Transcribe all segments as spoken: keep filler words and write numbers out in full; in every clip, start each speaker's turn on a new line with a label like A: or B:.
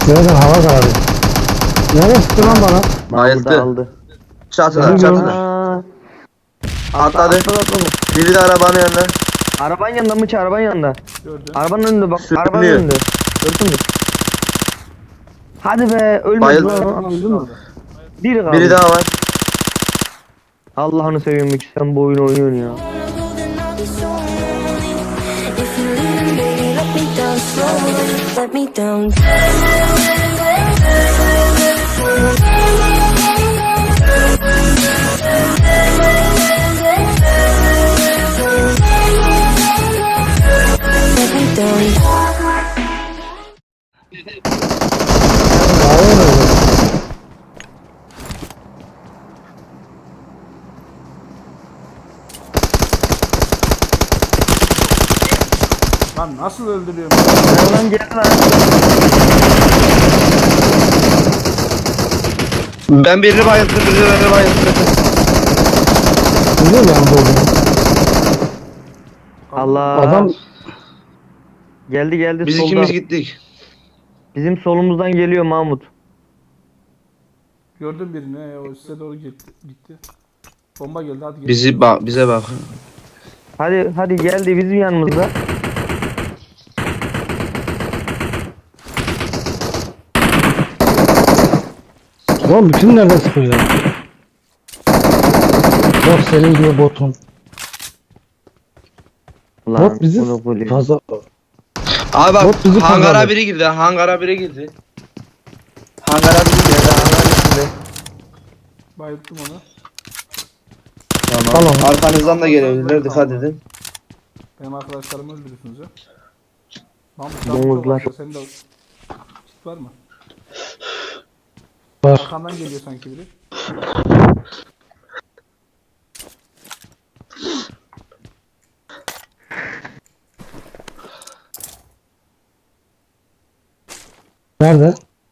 A: Nereden hava kararıyor. Nereye sıktı lan bana?
B: Bayıldı.
C: Aldı.
B: Çatıda
A: Beni
B: çatıda.
C: Aa,
B: Atladı.
C: atladı, atladı.
B: Biri de arabanın yanında.
C: Arabanın yanında mı ki arabanın yanında?
D: Gördüm.
C: Arabanın önünde bak.
B: Sürünüyor.
C: Arabanın önünde. Gördün mü? Hadi be ölmedi
B: Bayıldı.
C: lan. Öldü mü? Biri kaldı.
B: Biri daha var.
C: Allah'ını seveyim ki sen bu oyunu oynuyorsun ya.
E: If you leave, baby, let me down slowly. Let me down. Let me down.
D: Lan nasıl öldürüyorum?
C: Lan geldi lan.
B: Ben birini bayılttım, birini bayılttım.
A: Biliyor yani bu.
C: Allah.
A: Adam
C: Geldi geldi
B: Biz
C: soldan.
B: ikimiz gittik.
C: Bizim solumuzdan geliyor Mahmut.
D: Gördüm birini. He, o size doğru gitti. gitti. Bomba geldi, hadi gel.
B: Bizi bak, bize bak.
C: Hadi hadi geldi bizim yanımızda.
A: lan bütün nereden sıkıyor ya? Bot senin gibi botun.
C: Ulan,
A: Bot bizi
C: bunu böyle-
A: fazla...
B: Abi bak,
A: Bot bizi
B: hangara
A: kazandı.
B: biri girdi, hangara biri girdi. Hangara biri girdi, hangara içinde.
D: Bayılttım onu.
B: Tamam.
A: Tamam.
B: Arkanızdan da gelebilirler, dikkat edin.
D: Benim arkadaşlarımı öldürüyorsunuz ya. Mahmut,
C: Domuzlar.
D: Senin de kit var mı?
A: Var.
D: Arkandan geliyor sanki biri.
A: Nerede?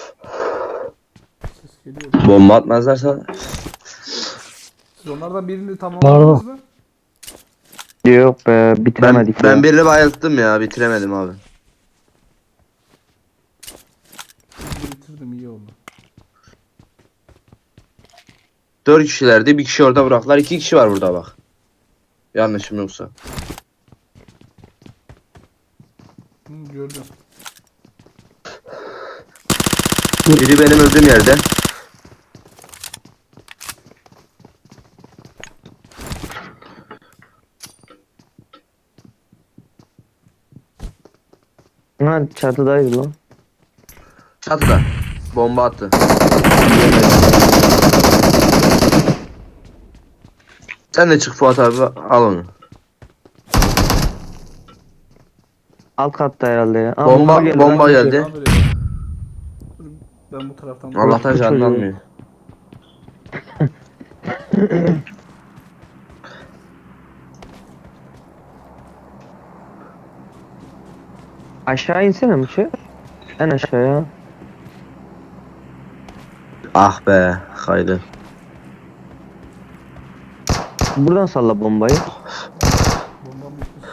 D: Ses geliyor.
B: Bomba atmazlarsa.
D: Siz onlardan birini tamamladınız mı?
C: Yok be
B: Ben,
C: bitiremedik
B: ben
C: ya.
B: birini bayılttım ya, bitiremedim abi.
D: Birini bitirdim, iyi oldu.
B: Dört kişilerdi, bir kişi orada bıraktılar, iki kişi var burada bak. Yanlışım yoksa.
D: Hı, gördüm.
B: Biri benim öldüğüm yerde.
C: Ha çatıdaydı lan.
B: Çatıda. Bomba attı. Sen de çık Fuat abi, al onu.
C: Alt katta herhalde ya. Aa,
B: Bomba
C: geldi
B: bomba
C: lan.
B: geldi.
D: Abi, dur, ben bu taraftan.
B: Allah'tan
C: Orospu
B: canını
C: çocuğu.
B: almıyor.
C: Aşağı insene mi şey? En aşağıya.
B: Ah be, kaydı.
C: Buradan salla bombayı.
D: Bombam bitti.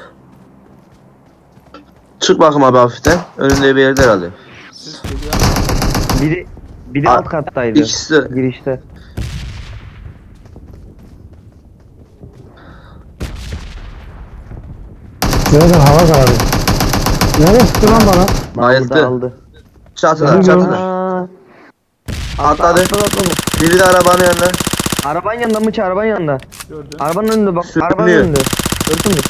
B: Çık bakayım abi hafiften. Önünde bir yerde herhalde.
D: Ses geliyor.
C: Biri biri
B: Aa,
C: alt kattaydı.
B: İkisi de.
C: Girişte.
A: Nereden hava kararıyor. Nereye sıktı lan bana?
C: Burada
B: Bayıldı.
C: aldı.
B: Çatıda
A: Beni
B: çatıda.
C: Aa,
B: Atladı.
C: atladı, atladı.
B: Biri de arabanın yanında.
C: Arabanın yanında mı ki arabanın yanında?
D: Gördüm.
C: Arabanın önünde bak.
B: Sürünüyor.
C: Arabanın önünde. Gördün mü?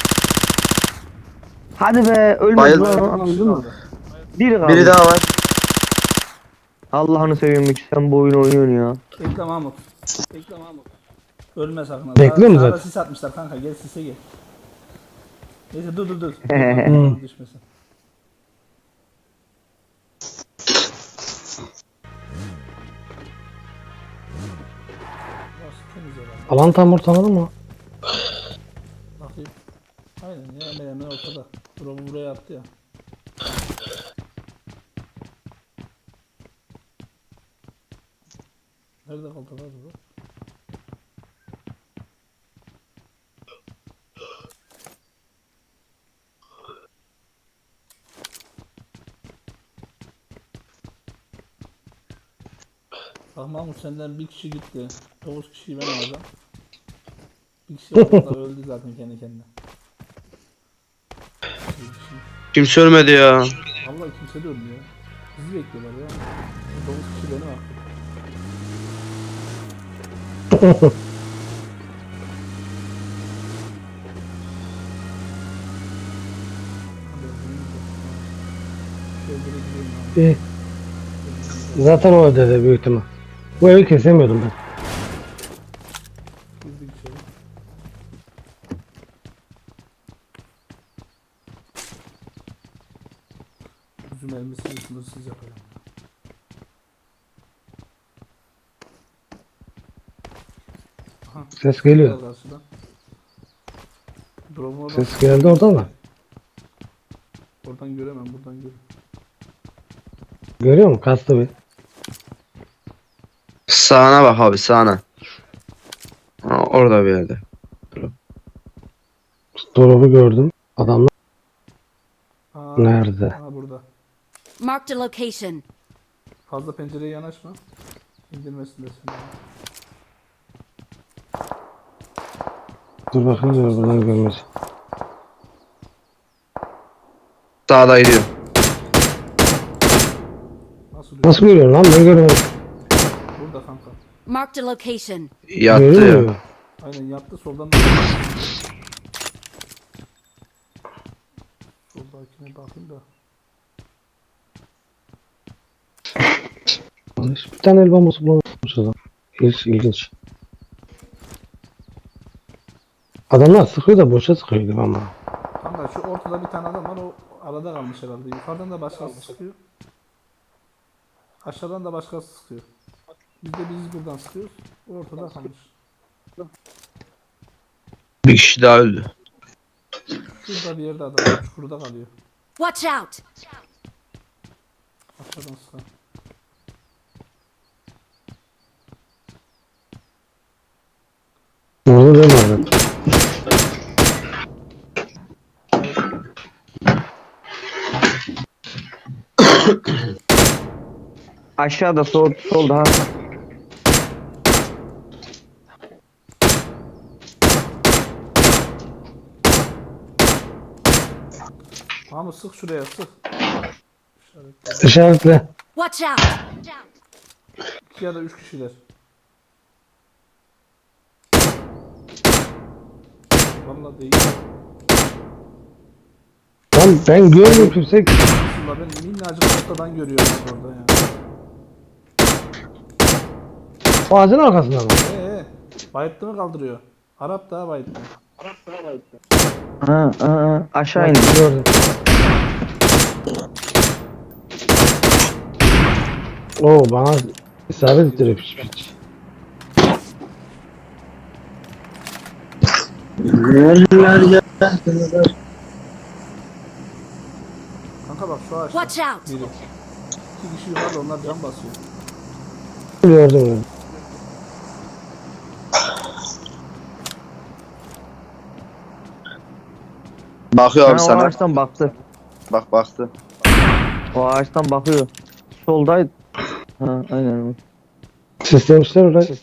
C: Hadi be ölmedi
B: Bayıldı.
C: lan. Öldü mü? Biri kaldı.
B: Biri daha var.
C: Allah'ını seveyim ki sen bu oyunu oynuyorsun ya.
D: Bekle Mahmut. Bekle Mahmut. Ölme sakın. ha.
A: Bekliyorum
D: Sağ- sağda
A: zaten.
D: sis atmışlar kanka, gel sise gel. Neyse dur dur dur.
C: Hı.
D: Dur, düşmesin. Burası temiz herhalde.
A: Alan tam ortaladı mı?
D: Bakayım. Aynen ya, hemen hemen ortada. Drop'u buraya attı ya. Nerede kaldı lan bu? Bak Mahmut senden bir kişi gitti. Dokuz kişiyi ben alacağım. Bir kişi orada öldü zaten kendi kendine. Bir kişi.
B: Kimse ölmedi ya.
D: Vallahi kimse de ölmüyor. Bizi bekliyorlar ya. Dokuz kişi benim aklım.
A: İyi. Zaten o ödedi büyük ihtimal. Bu evi kesemiyordum ben.
D: Girdik içeri. Üzüm elmasını sınırsız yapalım. Aha.
A: Ses geliyor.
D: Karşıdan. Drone'u oradan,
A: Ses geldi oradan da.
D: oradan göremem, buradan görürüm.
A: Görüyor musun? Kastı bir.
B: Sağına bak abi sağına. Ha, orada bir yerde.
A: Drop'u gördüm. Adamlar
D: Aa,
A: nerede?
D: aa burada.
E: Marked a location.
D: Fazla pencereye yanaşma. İndirmesin de seni.
A: Dur bakayım dur buradan görmez.
B: Sağda gidiyor.
D: Nasıl
A: Nasıl görüyorsun lan? Ben görmedim.
D: Burada kanka.
E: Marked a location.
B: Yattı
A: Görüyor
B: ya.
A: musun?
D: Aynen yattı soldan da. Soldakine bakayım da.
A: Bir tane el bombası bulamamış adam. İlginç, ilginç. Adamlar sıkıyor da boşa sıkıyor gibi ama.
D: Kanka şu ortada bir tane adam var, o arada kalmış herhalde. Yukarıdan da başkası sıkıyor. Aşağıdan da başkası sıkıyor. Biz de biz buradan sıkıyoruz. O ortada kalmış.
B: Bir kişi daha öldü.
D: Şurada bir yerde adam var, çukurda kalıyor.
E: Watch out!
D: Aşağıdan sıkan.
A: Orada ben vardım.
C: Aşağıda sol solda ha.
D: Mahmut sık şuraya sık. İşaret.
A: İşaretle.
E: Watch out!
D: İki ya da üç kişiler. Vallahi değil.
A: Lan ben görmüyorum kimse.
D: Aslında ben minnacık ortadan görüyorum orada yani.
A: O ağacın arkasında mı?
D: Eee bayıttı mı kaldırıyor? Arap daha bayıttı.
C: Ha, ha, ha. Aşağı indi.
A: Gördüm. Oo bana isabet ettiriyor piç piç.
D: Kanka bak şu ağaçta.
E: Watch out!
D: Biri. İki kişi yukarıda, onlar can basıyor.
A: Gördüm gördüm.
B: Bakıyor
C: Ha,
B: abi
C: o
B: sana.
C: ağaçtan baktı.
B: Bak baktı.
C: O ağaçtan bakıyor. Soldaydı. Ha, aynen.
A: Seslemişler orayı.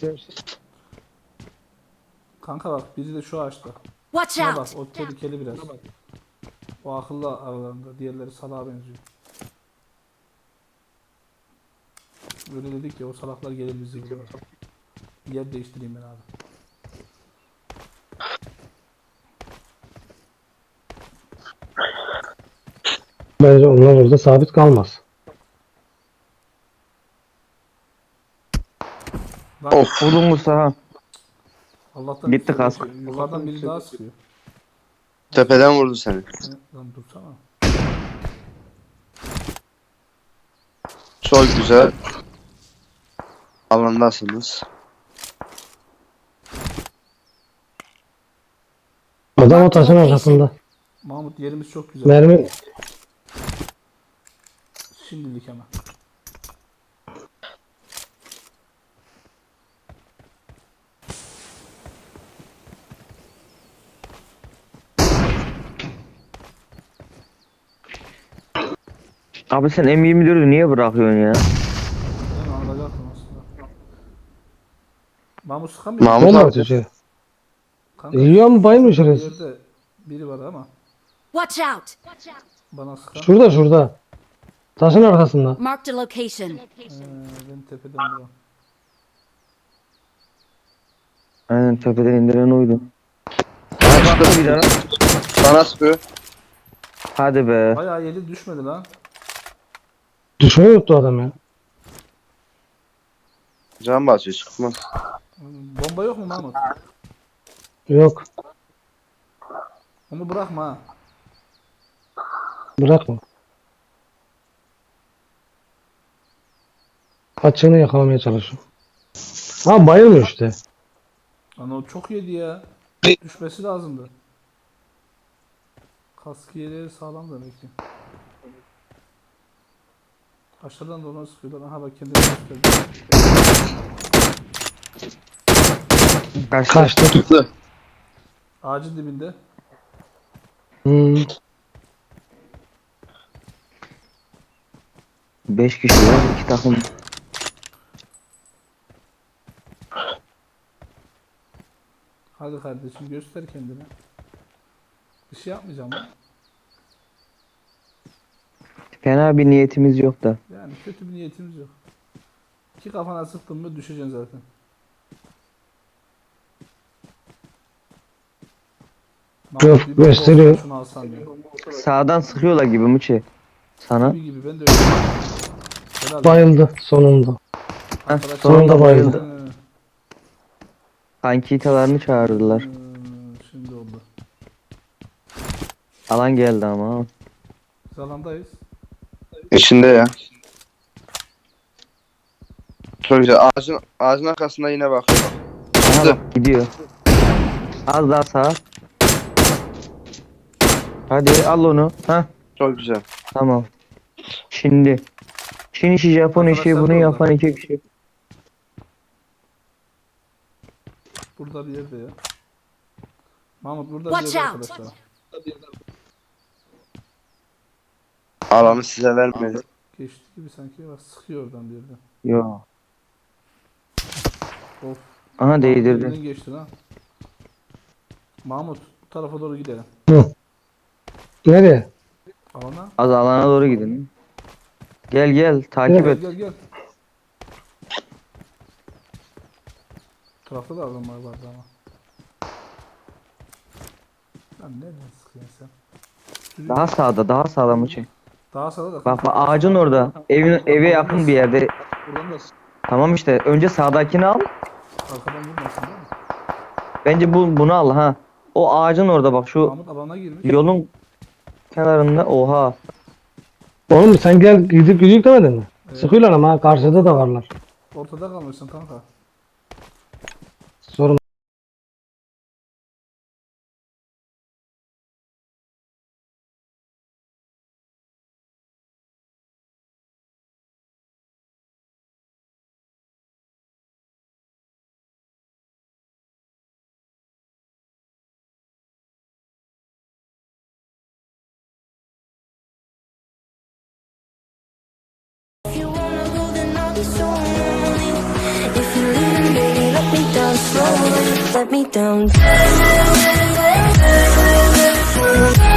D: Kanka bak biri de şu ağaçta.
E: Watch
D: Şuna bak,
E: out!
D: o tehlikeli biraz. O akıllı aralarında, diğerleri salağa benziyor. Böyle dedik ya, o salaklar gelir bizi bulur. Yer değiştireyim ben abi.
A: Bence onlar orada sabit kalmaz.
D: Bak,
B: Of.
C: Vurdun Musa ha.
D: Allah'tan
C: Gitti
D: bir şey
C: kask.
D: yok. Yukarıdan biri daha sıkıyor.
B: Tepeden vurdu seni.
D: Ne- Lan dursana.
B: Çok güzel. Alandasınız.
A: Adam o taşın arkasında.
D: Mahmut yerimiz çok güzel.
A: Mermi.
D: Şimdilik ama.
C: Abi sen M yirmi dördü niye bırakıyorsun ya?
D: Ben alacaktım aslında. Mahmut sıkamıyor.
B: Mahmut
A: Ben de
B: abi.
A: atıyor.
D: Kanka,
A: Yiyor mu bayılmış
D: bir
A: orası?
D: yerde biri var ama
E: Watch out!
D: bana sıkan.
A: Şurada şurada. Taşın arkasında.
E: Marked a location.
D: Ee, ben tepeden vuruyorum.
C: Aynen tepeden indiren oydu.
B: Açtı bir tane. Bana sıkıyor.
C: Hadi be.
D: Bayağı yedi düşmedi lan.
A: Düşmeyi yuttu adam ya.
B: Can basıyor çıkmaz.
D: Bomba yok mu Mahmut?
A: Yok.
D: Onu bırakma ha.
A: Bırakma. Kaçığını yakalamaya çalışıyor. Ha bayılmıyor işte.
D: Lan o çok yedi ya. Düşmesi lazımdı. Kask yeri sağlam demek ki. Aşağıdan da ona sıkıyorlar. Aha bak kendini gösterdi.
C: Kaçtı.
A: Kaçtı.
B: Çıktı.
D: Ağacın dibinde.
A: Hmm.
C: Beş kişi var. iki takım.
D: Hadi kardeşim göster kendini. Bir şey yapmayacağım lan.
C: Fena bir niyetimiz yok da.
D: Yani kötü bir niyetimiz yok. İki kafana sıktın mı düşeceksin zaten.
A: Yok,
D: Mahmut, bir bak
A: gösteriyor.
D: olsa Şunu alsan diyor.
C: Sağdan sıkıyorlar gibi Muçi. Sana.
D: Gibi gibi ben de öyle. Helal.
A: Bayıldı sonunda.
C: Heh,
D: Arkadaşlar-
C: sonunda
A: bayıldı.
C: bayıldı.
D: Ee,
C: Kankitalarını çağırdılar.
D: hmm, şimdi oldu.
C: Alan geldi ama.
D: Biz alandayız.
B: İçinde ya. Çok güzel. Ağacın, ağacın arkasında yine bakıyor.
C: Aha bak gidiyor. Az daha sağ. Hadi al onu. Hah
B: Çok güzel.
C: tamam. Şimdi. Çin işi, Japon işi,
D: Arkadaşlar
C: bunu
D: burada.
C: yapan iki kişi.
D: Burada bir yerde ya. Mahmut burada
E: Watch
D: bir yerde
E: out.
D: arkadaşlar.
B: Alanı size vermedi.
D: Geçti gibi sanki. Bak sıkıyor oradan bir yerden.
C: Yo.
D: Of.
C: Aha değdirdi.
D: Mahmut geçti lan. Mahmut bu tarafa doğru gidelim.
A: Nereye?
D: Alana.
C: Az alana doğru gidin. Gel gel takip
D: Gel
C: et.
D: gel gel. Bu tarafta da adamlar vardı ama. Lan nereden sıkıyorsun sen? Sürüyor.
C: Daha sağda, daha sağda Muçi.
D: Daha sağda da.
C: Bak bak ağacın orada. Evin eve yakın bir yerde.
D: Buradan da
C: Tamam işte. Önce sağdakini al.
D: arkadan vurmasın değil mi?
C: Bence bu bunu al ha. O ağacın orada bak şu
D: Mahmut alana girmiş.
C: yolun kenarında. Oha.
A: Oğlum sen gel gidip gidip demedin mi?
D: Evet.
A: Sıkıyorlar ama ha, karşıda da varlar.
D: Ortada kalmışsın kanka.
A: Sorun.
E: If you wanna go, then I'll be so lonely. If you're leaving, baby, let me down slowly. Let me down.